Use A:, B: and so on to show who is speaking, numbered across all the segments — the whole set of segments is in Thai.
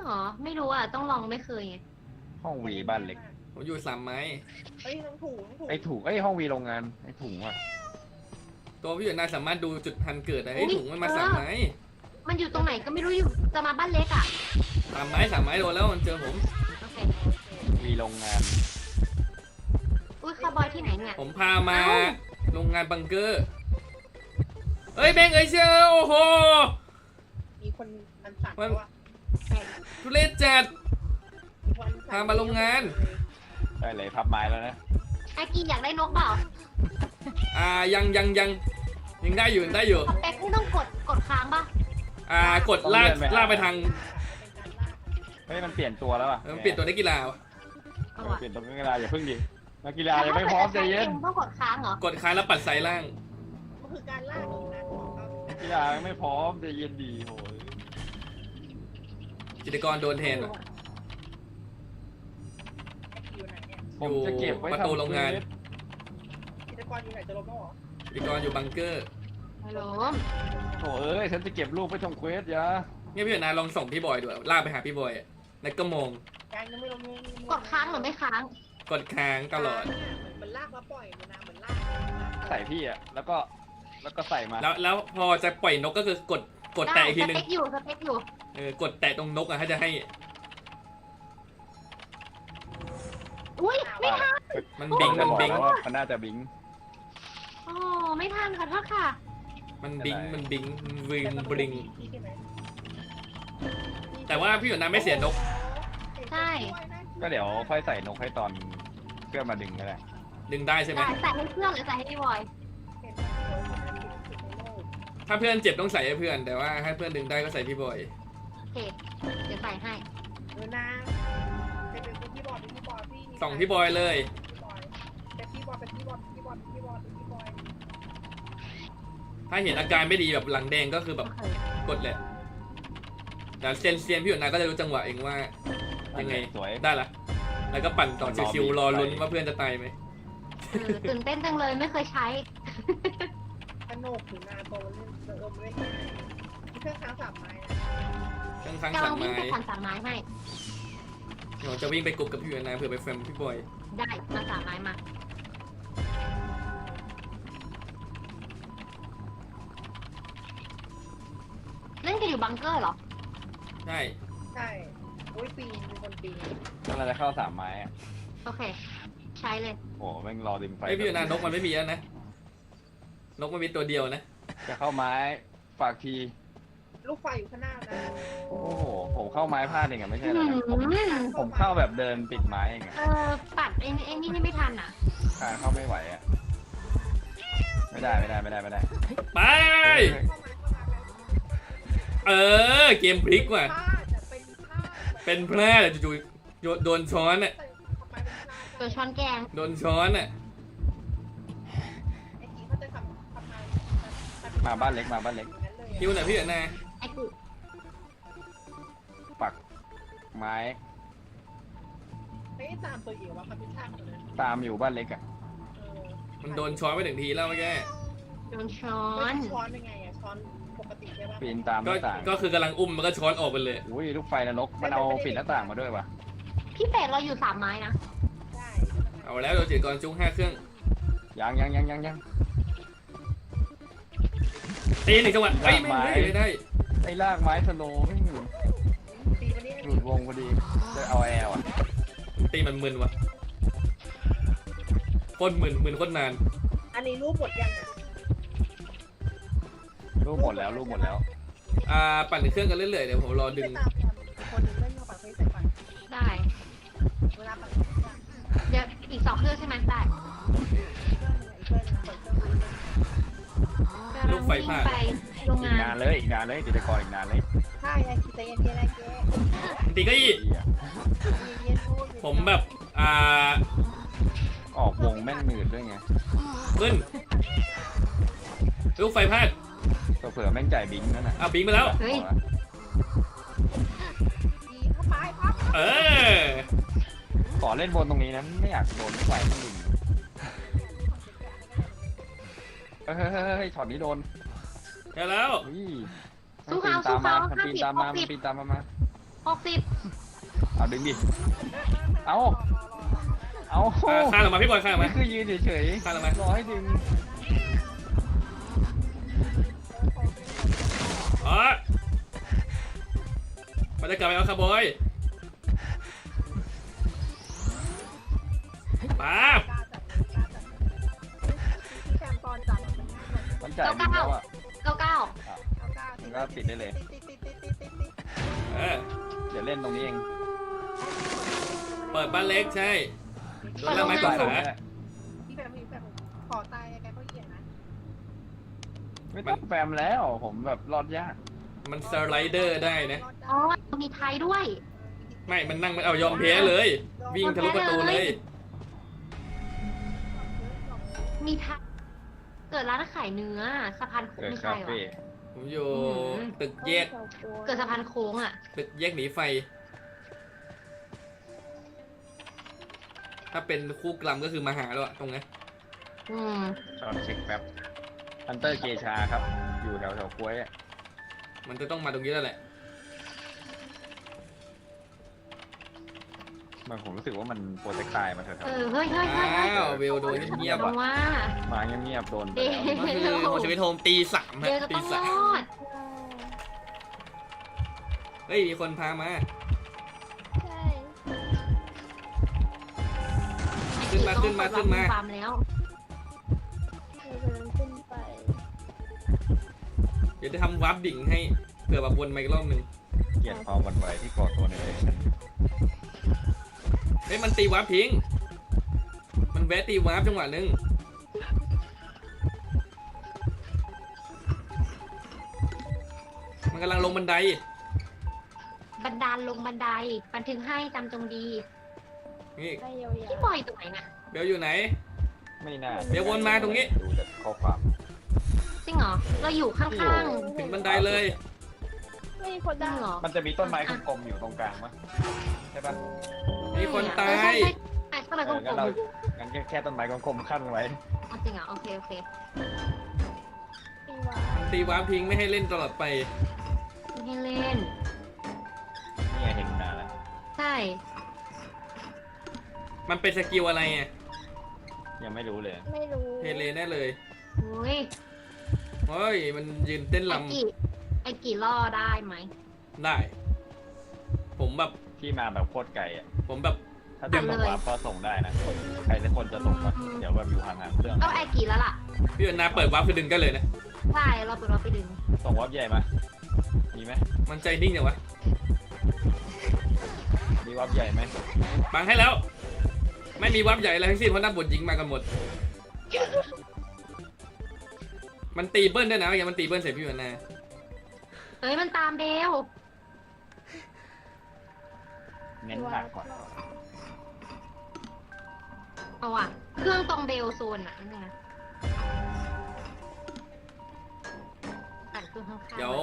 A: หรอไม่รู้อ่ะต้องลองไม่เคยไง
B: ห้องวีบ้านเล็ก
C: ผมอยู่สามไม้
D: เฮ้ยน้องถูน้องถู
B: ไอ้ถุงไอ้ห้องวีโรงงานไอ้ถุงอ่ะ
C: ตัวพี่อยู่นายสามารถดูจุดพันเกิดได้ไอ้ถุงมันมาสามไม้
A: มันอยู่ตรงไหนก็ไม่รู้อยู่จะมาบ้านเล็กอ่ะ
C: สามไม้โดนแล้วมันเจอผม
A: โอเค
B: วีโรงงาน
A: อุ้ยคาร์บอยที่ไหนเนี่ย
C: ผมพามาโรงงานบังเกอร์เอ้ยแบงเอ้ยเชียวโอ้โห
D: มีคนมันสั่นว่า
C: ทุเรศจัดพามาโรงงาน
B: ได้เลยพับไม้แล้วนะ
A: ไอกีอยากได้นกเปล่า
C: ยังได้อยู่
A: สเปคไม่ต้องกดค้างป่ะ
C: กดลากไปทาง
B: เฮ้ยมันเปลี่ยนตัวแล้วอ่ะ
C: มันเปลี่ยนตัวนักกีฬา
B: เปลี่ยนตัวนักกีฬาอย่าพึ่งดินักกีฬายังไม่พร้อมใจเย็น
A: ต้องกดค้างเหรอก
C: ดค้างแล้วปัดไซล่าง
D: ก็คือการล่าของงานของเขา
B: นักกีฬายังไม่พร้อมใจเย็นดีโหย
C: จิตรกรโดนแทน
D: อยู่ไหนเนี่ย
B: ผมจะเก็บไว้
C: ประตูโรงงาน
D: กิจกรอยู่ไหนจะลบแล้วหรอ
C: จิตรกรอยู่บังเกอร์
A: ฮัลโหล
B: โถ่เอ้ยฉันจะเก็บรูปไว้ทำเควสยา
C: เนี่ยพี่นายลองส่งพี่บอยดูลากไปหาพี่บอยแล้วก็มอง
D: การยังไม่ลง
A: กดค้างหรือไม่ค้าง
C: กดค้างตลอด
D: เหมือนลากแล้วปล่อยมันนะเหมือนลาก
B: ใส่พี่อ่ะแล้วก็ใส่มา
C: แล้วพอจะปล่อยนกก็คือกดแตะอีกทีนึง
A: สเปคอยู่
C: กดแตะตรงนกถ้าจะให้
A: อุ้ยไม่ทัน
C: มันบิง
B: แล้วว่ามันน่าจะบิง
A: อ๋อไม่ทันขอโทษค่ะ
C: มันบิงวิงบริงแต่ว่าพี่หยดน้ำไม่เสียนก
A: ใช่
B: ก็เดี๋ยวค่อยใส่นกให้ตอนเพื่อนมาดึงก็ได้
C: ดึงได้ใช่ไหม
A: ใส่ให้เพื่อนหรือใส่ให้พี่บอย
C: ถ้าเพื่อนเจ็บต้องใส่ให้เพื่อน แต่ว่าให้เพื่อนดึงได้ก็ใส่พี่บอย
A: โอเคเดี๋ยวใส่ให้
D: นะเป็นพี่บอลพี่
C: ส่องพี่บอยเลย
D: เป็นพี่บอล
C: ถ้าเห็นอาการไม่ดีแบบหลังแดงก็คือแบบกดแหละแต่เซียนพี่หยดน้ำก็จะรู้จังหวะเองว่ายังไง
B: สวย
C: ได้ละแล้วก็ปั่นต่อชิวๆรอลุ้นว่าเพื่อนจะตายไหม
A: ตื่นเต้นจังเลยไม่เคยใช้
D: กระโหนกถึงนาโตเล่นเล่นเครื่องค้างสามไม้
C: ทั้ง
A: จะ
C: สา
A: ล
C: ม
A: องวิ่ง
C: ไม้
A: ไปผ่านสามไม้ให้
C: เดี๋ยวจะวิ่งไปกลุ่มกับพี่หยดน้ำเผื่อไปแฟมพี่บอย
A: ได้มาสามไม้มาเล่นกันอยู่บังเกอร์เหรอ
C: ใช่
D: ใช่โอ้ยปีนมีคนปีน
B: ก็เราจะเข้าสามไม้อะ
A: โอเค ใช้เลย
B: โอ้แม่งรอดึงไฟ
C: ไอพี่หยดน้ำนกมันไม่มีแล้วนะนกมันมีตัวเดียวนะ
B: จะเข้าไม้ฝากที
D: ลูกไฟอยู่ข้างหน้านะ
B: โอ้โหผมเข้าไม้พลาดเองอะไม่ใช่เหรอผมเข้าแบบเดินปิดไม้เองอะ
A: ปัดไอ้นี่ไม่ทันอ่ะ
B: การเข้าไม่ไหวอะไม่ได้
C: ไปเกมพลิกว่ะเป็นแพร่แต่จู่ๆโดนช้อนอ่ะ
A: ตัวช้อนแกง
C: โดนช้อนอ่ะ
D: ไอ้ทีเขาจะทำ
B: มาบ้านเล็ก
C: คิวหน่อยพี่หยดน้
A: ไอ้กู
B: ปักไม้
D: ไม่ตามตัวเองว่าเขาเป็นช่างเลย
B: ตามอยู่บ้านเล็กอะ
C: มันโดนช้อนไปถึงทีแล้วเมื่อกี้
A: โดนช้อ
D: ช้อน นช้อนเป็นไงอ่ะช้อนปกติใช่ป่ะ
B: ปีนตามหน้าต่าง
C: ก็คือกำลังอุ้มมันก็ช้อนออกไปเลย
B: อุ้ยลูกไฟนรกมันเอาปิดหน้าต่างมาด้วยวะ
A: พี่เป็ดเราอยู่สามไม้นะ
D: ใช่
C: เอาแล้วโดนจิตรกรจุ้ง5 เครื่อง
B: ยัง
C: ตีหนึ่งจังหวะเฮ้ยไม่ได้
B: ไอ้ลากไม้สโลว์ไม่หยุด
D: ปีวันนี้
B: หลุดวงพอดีจะเอาแอลอะ
C: ตีมันมึนวะโคตรมึนโคตรนาน
D: อันนี้รูปหมดยังอ่ะ
B: รูปหมดแล้ว
C: ปั่นเครื่องกันเรื่อยๆเดี๋ยวผมรอดึง
D: คนนึงเล่นกับปัดไฟใส่ปัด
A: ได้
D: เวลาปัด
A: เดี๋ยวอีก2 เครื่องใช่ไหมได้
C: ลูกไฟพลาด
A: ไปโรง
B: อี
A: งาก
B: นาน นเลยติดตะกอนอีกนานเลย
D: ใช่ไอ้คิดใจเย็นๆไอ้เจ๊
C: ตีก็อีผมแบบ
B: ออกวงแม่งหนืดด้วยไง
C: ขึ้นลูกไฟพลาด
B: เผื่อแม่งจ่ายบิงนั่นน่ะ
C: บิงไปแล้ว
A: เฮ้ย
D: ดีเข้าไปครับ
B: ขอเล่นบนตรงนี้นะไม่อยากโดนไฟมันดึงเฮ้ยช็อตนี้โดน
C: แล้ว
B: ปีนตามมา
A: 60
B: เอาดึงดิ เอา เอา
C: ข้าลงมาพี่บอยข้าลงมา
B: นี่คือยืนเฉย
C: ข้าลงมา
B: ๆรอให้ดึง
C: อ๋อมันจะกลับไปเอาคาร์บอยป้าบ
D: กล้าจัดพี่แซมตอนจับ
B: มันจ่ายบินแล้วอ่ะ
A: 99
D: เอากล้า
B: มันก็ติดได้เลย
D: ติด
C: เออ
B: เดี๋ยวเล่นตรงนี้เอง
C: เปิดบ้านเล็กใช่โดนแล้วไม้กวาดขา
D: พี่แบบขอตายแกก็เหี้ยนะ
B: ไม่ต้องแฟมแล้ว ผมแบบรอดยาก
C: มันสไลเดอร์ได้นะ
A: อ๋อมีไทยด้วย
C: ไม่มันนั่งมันเอายอมแพ้เลย วิ่งทะลุประตูเลย
A: มีไทยเกิดร้านขายเนื้อสะพานโค้ง
B: เกิด
A: ไม่
B: คา
A: ใช่หรอ
B: เฟ่
C: ผมอยู่ตึกแยก
A: เกิดสะพานโค้งอ่ะ
C: ตึกแยกหนีไฟ ถ้าเป็นคู่กรรมก็คือมาหาแล้วอะตรงนี้
A: อืม
B: ตอนเช็คแป๊บฮันเตอร์เกชาครับ อยู่แถวกล้วยอะ
C: มันจะต้องมาตรงนี้แล้วแหละ
B: มันผมรู้สึกว่ามันโปรเจกต์ตายมาแถว
A: เฮ้ย
C: อ้าวเวลโดนเงียบ
A: ล
C: ๆอ่ะ
A: งว่า
B: ๆมาเงียบๆโดนไป
A: เดี๋ยว
B: แล้ว
C: ก็คือโมชิวิโฮมตีสาม
A: เดี๋ยว
C: ฮะ
A: จะ
C: ตี
A: ต้องร
C: สาม
A: อด
C: เฮ้ยมีคนพามา
E: ใช่
C: ขึ้นมา
A: ฟาร์มแล้ว
E: เรากำลังขึ้นไป
C: เดี๋ยวจะทำวาร์ปดิ่งให้เผื่อแบบวนมาอีกรอบหนึ่ง
B: เกลียดความหวันไหวที่ก่อตัวในเลย
C: เฮ้ยมันตีวาร์ปทิ้ง มันแวะตีวาร์ปจังหวะหนึงมันกำลังลงบันได
A: บันดาลลงบันไดบันทึกให้จำจงดี
C: นี่
E: ได้ยาว
A: พี่บอยตรงไหนนะ
C: เบลอยู่ไหน
B: ไม่น่า
C: เดี๋ยววนมาตรงนี้
B: ดูจากข้อความ
A: จริงเหรอ เราอยู่ข้าง
C: ถึงบันไดเลย
E: ๆไม่มีคน
A: ๆจริ
E: ได้
A: งเหรอ
B: มันจะมีต้นไม้กลมๆอยู่ตรงกลางมั้ยใช่ปะ
C: มีคนตา
A: ใช่
C: ย
A: ใช่ทำไมกล
B: งั้น
A: ม
B: เรางั้นแค่ต้นไม้กลมๆขั้นไว้
A: ๆจริงเหรอโอเค
E: ตีวา
C: ตีวาร์ปทิ้งไม่ให้เล่นตลอดไป
A: ไม่ให้เล่น
B: นี่ไงเห็นนานแล้ว
A: ใช่
C: มันเป็นสกิลอะไรอ่ะ
B: ยังไม่รู้เลย
E: ไม่รู้
C: เทเลแน่เลย
A: โอ้ย
C: เฮ้ยมันยืนเต้นล
A: ไอ้กี่ล่อได้ไหม
C: ำได้ ผมแบบ
B: ที่มาแบบโคตรไกลอ่ะ
C: ผมแบบ
B: ถ้าดึงแบบวาร์ปก็ส่งได้นะ ใครสักคนจะส่งมาเดี๋ยวแบบอยู่ห่างๆเครื่อง
A: ก็ไอ้กี่แล้วล่ะ
C: พี่วันนาเปิดวาร์ปคือดึงกันเลยนะ
A: ใช่เราเปิดเราไปดึง
B: ส่งวาร์ปใหญ่มา มีไหม
C: มันใจนิ่งอย่างวะ
B: มีวาร์ปใหญ่ไหม
C: บังให้แล้ว ไม่มีวาร์ปใหญ่อะไรทั้งสิ้นเพราะนักบทหญิงมากันหมด มันตีเบิ้ลด้วยนะอย่างมันตีเบิ้ลใส่พี่วันนา
A: เฮ้ยมันตามเบล
B: เน้นหนักกว่า
A: เอาอ่ะ เครื่องตรงเบลโซนอ่ะนั่นนะปั่นเครื่องข้างๆ
C: เดี๋ยว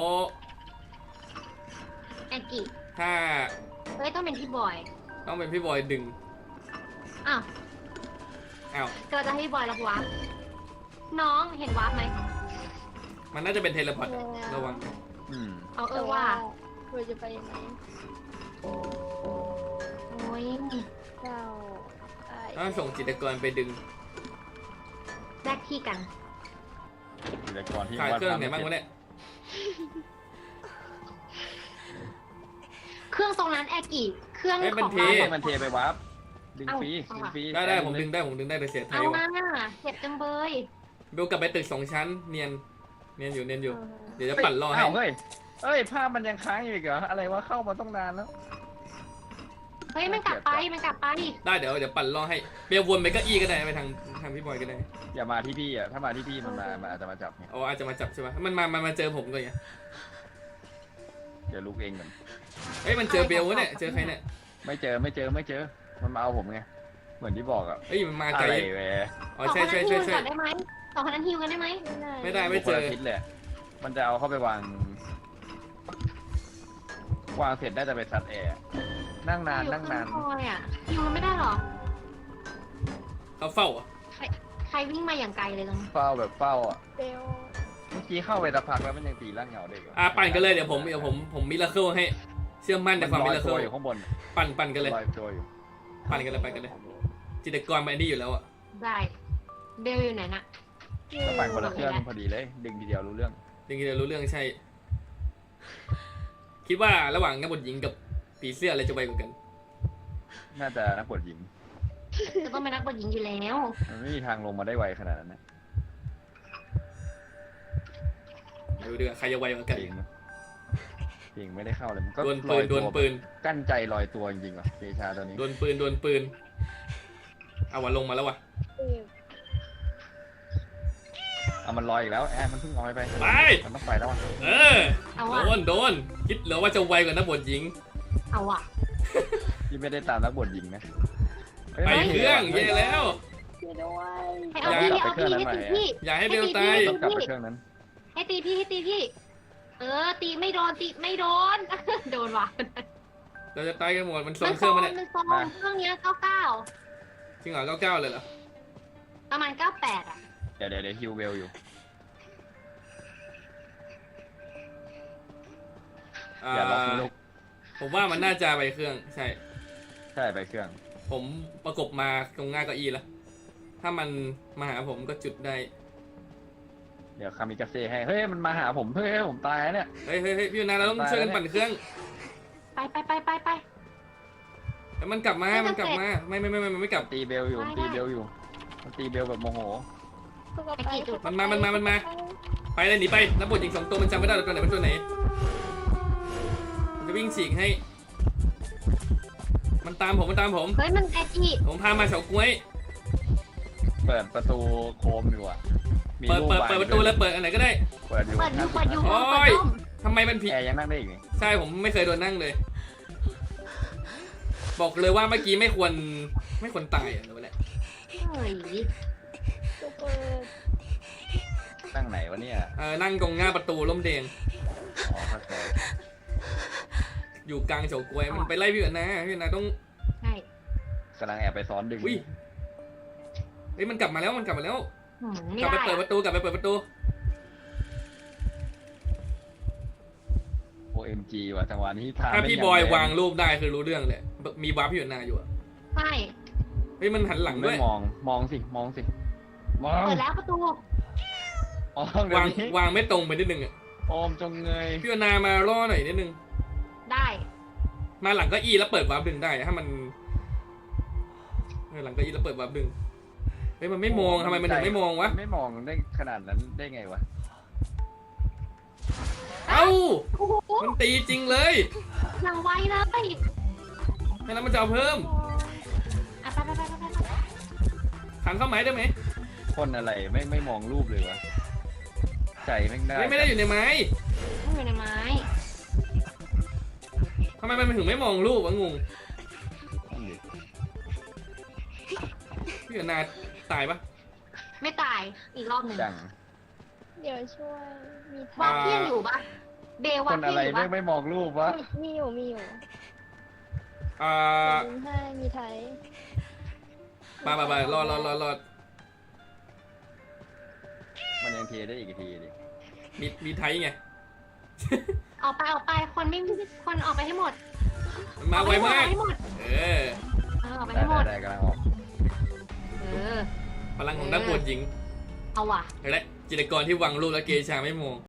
A: แอนกิ
C: ถ้า
A: เฮ้ยต้องเป็นพี่บอย
C: ต้องเป็นพี่บอยดึง
A: อ้าว
C: อ้าว
A: ก็จะให้พี่บอยรับวาร์ปน้องเห็นวาร์ปไหม
C: มันน่าจะเป็นเทเลพอร์ตระวัง
B: อืม
A: เอา
E: แต่
A: เออว่า
E: เราจะไปยังไง
A: โอ้ย
E: เราไอ้
C: ต้องส่งจิตรกรไปดึง
A: แลกที่กัน
B: อิเล็กตรอนที่
C: ขาย
B: วาด
C: เครื่อง
B: ภาพ
C: ไหน
B: ไม่
C: บ้าง
B: เสร็
C: วะ
B: จ
C: เนี่ย
A: เครื่องตรงนั้นแอร์กิเครื่อง
C: เอ้ย
A: ข
C: มัน
A: อง
C: เท
A: เรา
B: มันเทไปวาร์ปดึงฟรีดึงฟรี
C: ได้ผมดึงได้แต่เสียไท
A: เอา
C: ยวะ
A: มาเจ็บจังเบย
C: เบลกลับไปตึก2 ชั้น เนียนอยู่ เดี๋ยวจะปั่นรอให้
B: อ้าวเฮ้ยภาพมันยังค้างอยู่อีกเหรอ อะไรวะเข้ามาต้องนานแล้ว
A: เฮ้ยมันกลับไป
C: ได้เดี๋ยวปั่นรอให้เบลวนไปเก็อี้ก็ได้ไปทางพี่บอยก็ได้
B: อย่ามาที่พี่อ่ะ ถ้ามาที่พี่มันอาจจะมาจับไง
C: อ๋ออาจจะมาจับใช่ปะมันมาเจอผมเลยไง
B: เดี๋ยวลุกเองก่อน
C: เฮ้ยมันเจอเบลวะเนี่ยเจอใครเนี่ย
B: ไม่เจอ มันมาเอาผมไง เหมือนที่บอกอ่ะ
C: เฮ้ยมันมา
B: อะ
C: ไกล
B: ไรเว้ย
C: อ๋อใช่
A: ฮิวก่อนได้ไหมสองคนนั้นฮิวกันได้ไหม
C: ไม่ได้
B: คนละทิศเลยมันจะเอาเข้าไปวางเสร็จได้แต่ไปซัดแอร์ นั่งนาน
A: ฮิวมันไม่ได้หรอ
C: เขาเฝ้าอ่ะ
A: ใครวิ่งมาอย่างไกลเลยตรงนี้
B: เฝ้าแบบเฝ้าอ่ะ
E: เบล
B: เมื่อกี้เข้าไปสักพักแล้วมันยังตีร่างเหงาได้อยู่
C: ปั่นกันเลยเดี๋ยวผมมิราเคิลให้เชื่อมั่นในความ
B: ล
C: เป็
B: อน ย
C: เล
B: ตัว
C: อ
B: อยู่ข้างบน
C: ปั่นกันเลย
B: ลอยตัวอยู่
C: ปั่นกันเลย จิตรกรมันไอ้นี่อยู่แล้วอะ
A: ได้เบลอยู่ไหนน่ะ
B: ก็ปั่นคนละเครื่องพอดีเลย ดึงทีเดียวรู้เรื่อง
C: จริงๆเรารู้เรื่องใช่ คิดว่าระหว่างนักบทหญิงกับผีเสื้ออะไรจะไวกว่ากัน
B: น่าจะนักบวชหญิง
A: จะต้องเป็นนักบวชหญิงอยู่แล้ว
B: มันไม่มีทางลงมาได้ไวขนาดนั้นนะ
C: ดูดิว่าใครจะไวกว่ากัน
B: จริงจริงไม่ได้เข้าเลยมันก็
C: ดวล
B: ล
C: ปื
B: อน ย
C: ด
B: ตัว ว
C: ลปืน
B: กั้นใจลอยตัวจริงๆว่ะเกชาตัวนี้
C: ดวลปืนเอาวะลงมาแล้ววะ
E: เออ
B: เอามันลอยอีกแล้วแอนมันเพิ่งลอยไป
C: ไป
B: มันต้องไปแล้วอ่ะ
C: เออ
A: เอาว่ะ
C: โดนคิดเหรอว่าจะไวกว่านักบทหญิง
A: เอาว่ะ
B: ที่ไม่ได้ตามนักบวชหญิงนะ
C: ไปเครื่องแย่แล้ว
E: ช่วยด้วย
A: ให้เอาพี่เอาพี่ให้ตีพี่
C: อย่าให้เบลตาย
B: ต้องกลับไปเครื่องนั้น
A: ให้ตีพี่ให้ตีพี่ ตีไม่โดนตีไม่โดน โดนว่ะ
C: เราจะตายกันหมดมันโซ
A: มัน น
C: เครื่องมาเนี่ย
A: มันโซนเครื่องเนี้ย99
C: จริงเหรอ99เลยเหรอ
A: ประมาณ98อ่ะ
B: เดี๋ยวฮิวเวลอยู่ อย่าล็อกนะลูก
C: ผมว่ามันน่าจะไปเครื่องใช่
B: ใช่ไปเครื่อง
C: ผมประกบมาตรงหน้าเก้าอี้แล้วถ้ามันมาหาผมก็จุดได้
B: เดี๋ยวคามิกาเซ่ให้ เฮ้ยมันมาหาผมเฮ้ยผมตายแล้วเนี่ย
C: เฮ้ยพี่ยูนาเราต้องช่วยกันปั่นเครื่อง
A: ไป
C: แต่มันกลับมาไม่มันไม่กลับ
B: ตีเบลอยู่ตีเบลอยู่มันตีเบลแบบโมโห
E: ต้องเอาไป
C: มันมาไปเลยหนีไปนักบทหญิง2ตัวมันจำไม่ได้ตัวไหนเป็นตัวไหนมันจะวิ่งฉีกให้ มันตามผม
A: เฮ้ยมันไอจี
C: ผมพามาเฉาก๊วย
B: เปิดประตูโคมอยู่อ่ะมี
C: เปิด
B: รู
C: ประตูแล้วเปิดอันไหนก็ได้
B: เปิดอยู่
A: เปิดอยู่
C: โอ้ย ทำไมมันผิด
B: แอร์ยังนั่งได้อีกนี่
C: ใช่ผมไม่เคยโดนนั่งเลย บอกเลยว่าเมื่อกี้ไม่ควรตายอ่ะรู้แหละ
A: เฮ้ย
E: ตัวเปิด
B: นั่งไหนวะเนี่ย
C: นั่งตรงหน้าประตูร่มแดง
B: อ๋อเข้าใจ
C: อยู่กลางเฉาก๊วยมันไปไล่พี่อยู่นะพี่นะต้อง
A: ใช่
B: กำลังแอบไปซ้อนดึง
C: อุ้ยเฮ้ยมันกลับมาแล้ว
A: ไม่
C: กลับไป
A: ได้
C: เปิดประตู
B: OMG ว่ะจังหวะนี้พา
C: ถ้า
B: เล่น
C: พี่
B: ง
C: บอย
B: แรง
C: วางรูปได้คือรู้เรื่องเลยมีวาร์ปพี่อยู่นาอยู่อะ
A: ใช่
C: เฮ้ยมันหันหลังด้วย
B: ไม่มองสิมอง
A: เปิดแล้วประตู
B: เดี๋ยว
C: วาง
B: นี้
C: วางไม่ตรงไปนิดนึงอ่ะ
B: โอมจงเงย
C: พี่อยู่นามาล่อหน่อยนิดนึง
A: ได้
C: มาหลังเก็อีแล้วเปิดวาร์ปดึงได้ถ้ามันหลังเก็อีแล้วเปิดวาร์ปดึงเฮ้ยมันไม่มองทำไมมันถึงไม่มองวะ
B: ไม่มองได้ขนาดนั้นได้ไงวะ
C: เอ้า
A: โอ้โห
C: มันตีจริงเลย
A: อย่างไวเลย
C: แล้วมันจะเอาเพิ่ม
A: ไป
C: ขันเข้าไม้ได้ไหม
B: คนอะไรไม่มองรูปเลยวะใจแม่งได้
C: ไม่ได้อยู่ในไม้
A: ต้องอยู่ในไม้
C: ทำไมมันถึงไม่มองรูปวะงง
B: นั่นดิ
C: พี่อยู่นาตายปะ
A: ไม่ตายอีกรอบหนึ่ง
B: จัง
E: เดี๋ยวช่วย มี
A: วา
E: ทา
A: ร์ปเที่ยงอยู่ปะเบล
B: คว
A: าร์
B: น
A: ป
B: อะ
A: เที่ยง
B: ไร
A: อยู่ปะ
B: ไม่มองรูปวะ
E: มีอยู่
C: อ่า
E: ดึงให้มีไทย
C: มารอด
B: มันยังเทได้อีกทีดิ
C: มีไทยไง
A: ออกไปคนไม่คนออกไปให้หมด
C: มันมาไวมาก
A: ให้หมด
C: เออ
A: ออกไป
B: ได้
A: ให้หมด
B: ได้กำลังออก
C: พลังของนักบวชหญิง
A: เอาว่ะ
C: เห็นไหมจิตรกรที่วางรูปแล้วเกชาไม่มอง